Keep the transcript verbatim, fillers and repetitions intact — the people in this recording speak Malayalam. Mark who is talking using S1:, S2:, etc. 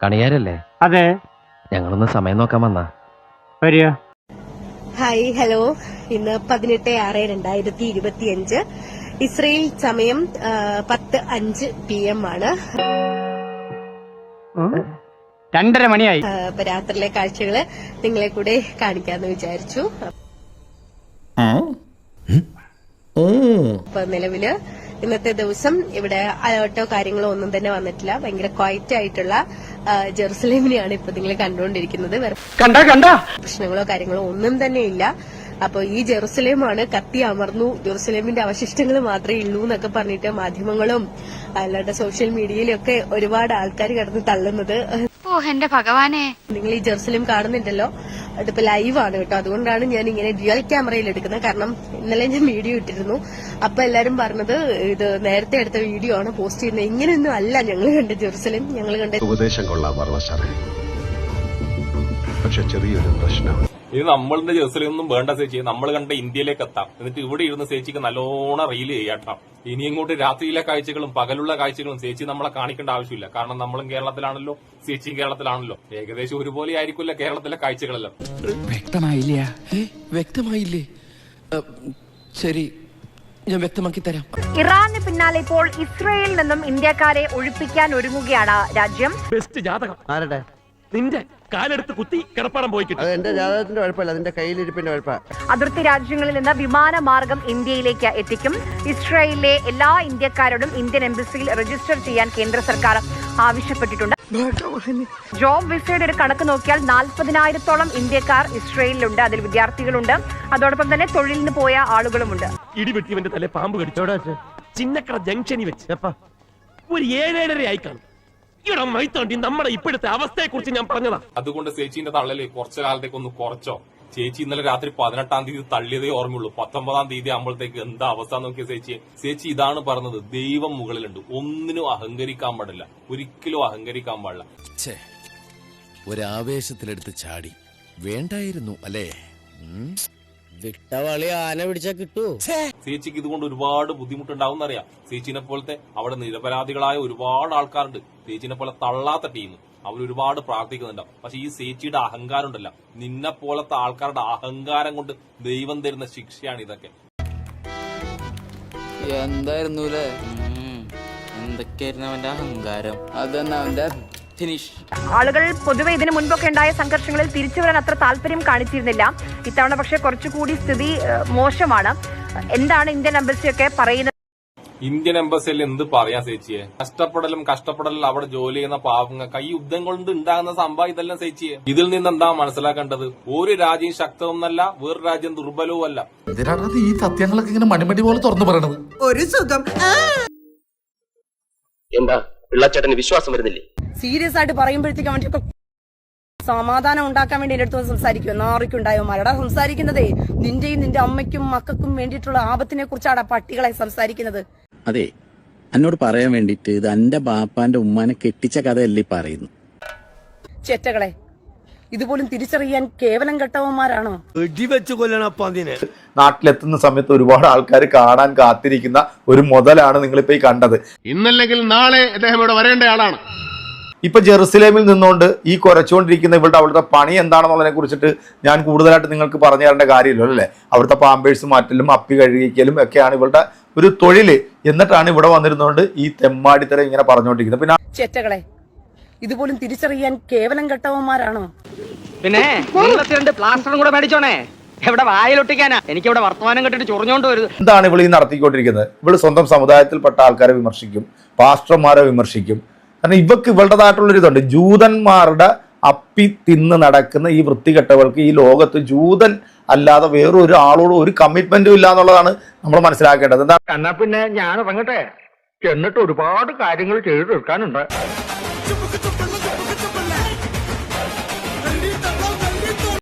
S1: കണിയാരല്ലേ?
S2: അതെ.
S1: ഞങ്ങളൊന്ന് സമയം നോക്കാൻ വന്നാ.
S2: വരിക.
S3: Hi, hello. ഇന്ന് പതിനെട്ട് ആറ് രണ്ടായിരത്തി ഇരുപത്തി അഞ്ച് ഇസ്രയേൽ സമയം പത്ത് അഞ്ച് പി എം ആണ്.
S2: രണ്ടര മണിയായി.
S3: അപ്പൊ രാത്രിയിലെ കാഴ്ചകള് നിങ്ങളെ കൂടെ കാണിക്കാന്ന് വിചാരിച്ചു. അപ്പൊ നിലവില് ഇന്നത്തെ ദിവസം ഇവിടെ അലേർട്ടോ കാര്യങ്ങളോ ഒന്നും തന്നെ വന്നിട്ടില്ല. ഭയങ്കര ക്വയറ്റ് ആയിട്ടുള്ള ജെറുസലേമിനെയാണ് ഇപ്പൊ നിങ്ങൾ കണ്ടുകൊണ്ടിരിക്കുന്നത്.
S2: കണ്ട കണ്ട
S3: പ്രശ്നങ്ങളോ കാര്യങ്ങളോ ഒന്നും തന്നെ ഇല്ല. അപ്പൊ ഈ ജെറുസലേമാണ് കത്തി അമർന്നു, ജെറുസലേമിന്റെ അവശിഷ്ടങ്ങൾ മാത്രമേ ഉള്ളൂ എന്നൊക്കെ പറഞ്ഞിട്ട് മാധ്യമങ്ങളും അല്ലാതെ സോഷ്യൽ മീഡിയയിലും ഒക്കെ ഒരുപാട് ആൾക്കാർ കിടന്ന് തള്ളുന്നത്.
S4: ഓ എന്റെ ഭഗവാനെ,
S3: നിങ്ങൾ ഈ ജെറുസലേം കാണുന്നുണ്ടല്ലോ, അതിപ്പോ ലൈവാണ് കേട്ടോ. അതുകൊണ്ടാണ് ഞാൻ ഇങ്ങനെ ഡ്യുവൽ ക്യാമറയിൽ എടുക്കുന്നത്. കാരണം ഇന്നലെ ഞാൻ വീഡിയോ ഇട്ടിരുന്നു. അപ്പൊ എല്ലാരും പറഞ്ഞത് ഇത് നേരത്തെ എടുത്ത വീഡിയോ ആണ് പോസ്റ്റ് ചെയ്യുന്നത്. ഇങ്ങനെയൊന്നും അല്ല ഞങ്ങൾ കണ്ട ജെറുസലേം. ഞങ്ങൾ കണ്ട
S5: ഉപദേശം കൊള്ളാൻ പക്ഷെ ചെറിയൊരു പ്രശ്നം.
S6: ഇത് നമ്മളുടെ ജെറുസലേം ഒന്നും വേണ്ട ചേച്ചി, നമ്മൾ കണ്ട ഇന്ത്യയിലേക്ക് എത്താം. എന്നിട്ട് ഇവിടെ ഇരുന്ന് ചേച്ചിക്ക് നല്ലോണം റീൽ ചെയ്യാട്ടാം. ഇനി ഇങ്ങോട്ട് രാത്രിയിലെ കാഴ്ചകളും പകലുള്ള കാഴ്ചകളും ചേച്ചി നമ്മളെ കാണിക്കേണ്ട ആവശ്യമില്ല. കാരണം നമ്മളും കേരളത്തിലാണല്ലോ, ചേച്ചിയും കേരളത്തിലാണല്ലോ. ഏകദേശം ഒരുപോലെ ആയിരിക്കില്ല കേരളത്തിലെ കാഴ്ചകളെല്ലാം.
S7: വ്യക്തമായില്ല വ്യക്തമായില്ലേ ശരി, ഞാൻ വ്യക്തമാക്കി തരാം.
S4: ഇറാന് പിന്നാലെ ഇപ്പോൾ ഇസ്രയേലിൽ നിന്നും ഇന്ത്യക്കാരെ ഒഴിപ്പിക്കാൻ ഒരുങ്ങുകയാണ് രാജ്യം.
S8: ബെസ്റ്റ് ജാതകം ആരുടെ? നിന്റെ കാലെടുത്ത് കുത്തി കിടപ്പാടം പോയി കിട്ടും.
S9: എന്റെ ജാതകത്തിന്റെ കുഴപ്പമില്ല, അതിന്റെ കയ്യിലിരിപ്പിന്റെ കുഴപ്പമാണ്.
S4: അതിർത്തി രാജ്യങ്ങളിൽ നിന്ന് വിമാനമാർഗം ഇന്ത്യയിലേക്ക് എത്തിക്കും. ഇസ്രായേലിലെ എല്ലാ ഇന്ത്യക്കാരോടും ഇന്ത്യൻ എംബസിയിൽ രജിസ്റ്റർ ചെയ്യാൻ കേന്ദ്ര സർക്കാർ ആവശ്യപ്പെട്ടിട്ടുണ്ട്. ജോബ് വിസയുടെ ഒരു കണക്ക് നോക്കിയാൽ നാൽപ്പതിനായിരത്തോളം ഇന്ത്യക്കാർ ഇസ്രായേലിലുണ്ട്. അതിൽ വിദ്യാർത്ഥികളുണ്ട്, അതോടൊപ്പം തന്നെ തൊഴിലിന് പോയ ആളുകളുമുണ്ട്.
S8: ഇടിവെട്ടിവന്റെ തല പാമ്പ് കടിച്ചോടാ ചിന്നക്കട ജംഗ്ഷനിൽ വെച്ച് ഒരു ഏഴേഴര ആയി കാണും. ഇവിടെ മൈത്തോണ്ടി നമ്മുടെ ഇപ്പോഴത്തെ അവസ്ഥയെ കുറിച്ച് ഞാൻ പറഞ്ഞതാ.
S6: അതുകൊണ്ട് ചേച്ചീന്റെ തള്ളല് കുറച്ചു കാലത്തേക്ക് ഒന്ന് കുറച്ചോ. ചേച്ചി ഇന്നലെ രാത്രി പതിനെട്ടാം തീയതി തള്ളിയതേ ഓർമ്മയുള്ളൂ. പത്തൊമ്പതാം തീയതി ആകുമ്പോഴത്തേക്ക് എന്താ അവസ്ഥ നോക്കിയ ചേച്ചിയെ. ചേച്ചി ഇതാണ് പറഞ്ഞത്, ദൈവം മുകളിലുണ്ട്, ഒന്നിനും അഹങ്കരിക്കാൻ പാടില്ല, ഒരിക്കലും അഹങ്കരിക്കാൻ പാടില്ല.
S7: ഒരാവേശത്തിലെടുത്ത് ചാടി വേണ്ടായിരുന്നു അല്ലേ?
S9: വിട്ടവളി ആന പിടിച്ചാ കിട്ടൂ.
S6: ചേച്ചിക്ക് ഇതുകൊണ്ട് ഒരുപാട് ബുദ്ധിമുട്ടുണ്ടാവും എന്നറിയാം. ചേച്ചിനെ പോലത്തെ അവിടെ നിരപരാധികളായ ഒരുപാട് ആൾക്കാരുണ്ട്. ചേച്ചിനെ പോലെ തള്ളാത്ത ടീം, അവർ ഒരുപാട് പ്രാർത്ഥിക്കുന്നുണ്ടാവും. പക്ഷെ ഈ ചേച്ചിയുടെ അഹങ്കാരം ഉണ്ടല്ല, നിന്നെ പോലത്തെ ആൾക്കാരുടെ അഹങ്കാരം കൊണ്ട് ദൈവം തരുന്ന ശിക്ഷയാണ് ഇതൊക്കെ.
S10: എന്തായിരുന്നു എന്തൊക്കെയായിരുന്നു അവന്റെ അഹങ്കാരം? അതന്നെ അവന്റെ ഫിനിഷ്.
S4: ആളുകൾ പൊതുവെ ഇതിനു മുൻപൊക്കെ ഉണ്ടായ സംഘർഷങ്ങളിൽ തിരിച്ചു വരാൻ അത്ര താല്പര്യം കാണിച്ചിരുന്നില്ല. ഇത്തവണ പക്ഷെ കുറച്ചുകൂടി സ്ഥിതി മോശമാണ്. എന്താണ് ഇന്ത്യൻ എംബസിയൊക്കെ പറയുന്നത്?
S6: ഇന്ത്യൻ എംബസിയിൽ എന്ത് പറയാ ചേച്ചിയെ? കഷ്ടപ്പെടലും കഷ്ടപ്പെടലും അവിടെ ജോലി ചെയ്യുന്ന പാവങ്ങൾക്ക് ഈ യുദ്ധം കൊണ്ട് ഉണ്ടാകുന്ന സംഭവം ഇതെല്ലാം ചേച്ചിയെ. ഇതിൽ നിന്ന് എന്താ മനസ്സിലാക്കേണ്ടത്? ഒരു രാജ്യം ശക്തവുമല്ല, വേറൊരു രാജ്യം ദുർബലവും അല്ല.
S7: ഈ സത്യങ്ങളൊക്കെ ഇങ്ങനെ മണിമണി പോലെ തുറന്നു പറയണത്
S3: ഒരു സുഖം.
S1: എന്താ പിള്ളച്ചേട്ടന് വിശ്വാസം വരുന്നില്ലേ?
S3: സീരിയസ് ആയിട്ട് പറയുമ്പോഴത്തേക്ക് അവന്റെ സമാധാനം ഉണ്ടാക്കാൻ വേണ്ടി എന്റെ അടുത്ത് സംസാരിക്കും. നാറിക്കുണ്ടായോ മരടാ സംസാരിക്കുന്നതേ. നിന്റെയും നിന്റെ അമ്മയ്ക്കും മക്കൾക്കും വേണ്ടിയിട്ടുള്ള ആപത്തിനെ കുറിച്ചാണ് പട്ടികളെ സംസാരിക്കുന്നത്.
S11: അതെ, എന്നോട് പറയാൻ വേണ്ടിട്ട് ഇത് എന്റെ ബാപ്പാന്റെ ഉമ്മാനെ കെട്ടിച്ച കഥയല്ലേ പറയുന്നു.
S3: ചെറ്റകളെ, ഇതുപോലും തിരിച്ചറിയാൻ കേവലം കെട്ടവന്മാരാണോ?
S9: വെടിവെച്ച് കൊല്ലണപ്പാതിനെ.
S12: നാട്ടിലെത്തുന്ന സമയത്ത് ഒരുപാട് ആൾക്കാർ കാണാൻ കാത്തിരിക്കുന്ന ഒരു മുതലാണ് നിങ്ങളിപ്പോ ഈ കണ്ടത്.
S5: ഇന്നല്ലെങ്കിൽ നാളെ അദ്ദേഹം ഇവിടെ വരേണ്ട ആളാണ്.
S12: ഇപ്പൊ ജെറുസലേമിൽ നിന്നുകൊണ്ട് ഈ കുരച്ചുകൊണ്ടിരിക്കുന്ന ഇവളുടെ അവിടുത്തെ പണി എന്താണെന്നുള്ളതിനെ കുറിച്ചിട്ട് ഞാൻ കൂടുതലായിട്ട് നിങ്ങൾക്ക് പറഞ്ഞു തരേണ്ട കാര്യമില്ലല്ലോ അല്ലേ? അവിടുത്തെ പാമ്പേഴ്സ് മാറ്റലും അപ്പി കഴുകിക്കലും ഒക്കെയാണ് ഇവളുടെ ഒരു തൊഴില്. എന്നിട്ടാണ് ഇവിടെ വന്നിരുന്നുകൊണ്ട് ഈ തെമ്മാടിത്തരം ഇങ്ങനെ പറഞ്ഞുകൊണ്ടിരിക്കുന്നത്. പിന്നെ
S3: ചെറ്റകളെ, ഇതുപോലും തിരിച്ചറിയാൻ കേവലം കെട്ടവന്മാരാണോ?
S2: പിന്നെ പ്ലാസ്റ്ററും കൂടെ മേടിച്ചോണേ. എവിടെ വായിലൊട്ടിക്കാനാ? എനിക്ക് ഇവിടെ വർത്തമാനം കെട്ടിട്ട് ചൊറിഞ്ഞോണ്ട് വരുന്നത്.
S12: എന്താണ് ഇവൾ ഈ നടത്തിക്കൊണ്ടിരിക്കുന്നത്? ഇവള് സ്വന്തം സമുദായത്തിൽപ്പെട്ട ആൾക്കാരെ വിമർശിക്കും, പാസ്റ്റർമാരെ വിമർശിക്കും. കാരണം ഇവക്ക് ഇവളുടേതായിട്ടുള്ളൊരു ഇതുണ്ട്. ജൂതന്മാരുടെ അപ്പി തിന്ന് നടക്കുന്ന ഈ വൃത്തികെട്ടവൾക്ക് ഈ ലോകത്ത് ജൂതൻ അല്ലാതെ വേറൊരു ആളോടും ഒരു കമ്മിറ്റ്മെന്റും ഇല്ല എന്നുള്ളതാണ് നമ്മൾ മനസ്സിലാക്കേണ്ടത്. എന്താ
S2: എന്നാ പിന്നെ ഞാൻ ഇറങ്ങട്ടെ, എന്നിട്ട് ഒരുപാട് കാര്യങ്ങൾ ചെയ്തു തീർക്കാനുണ്ട്.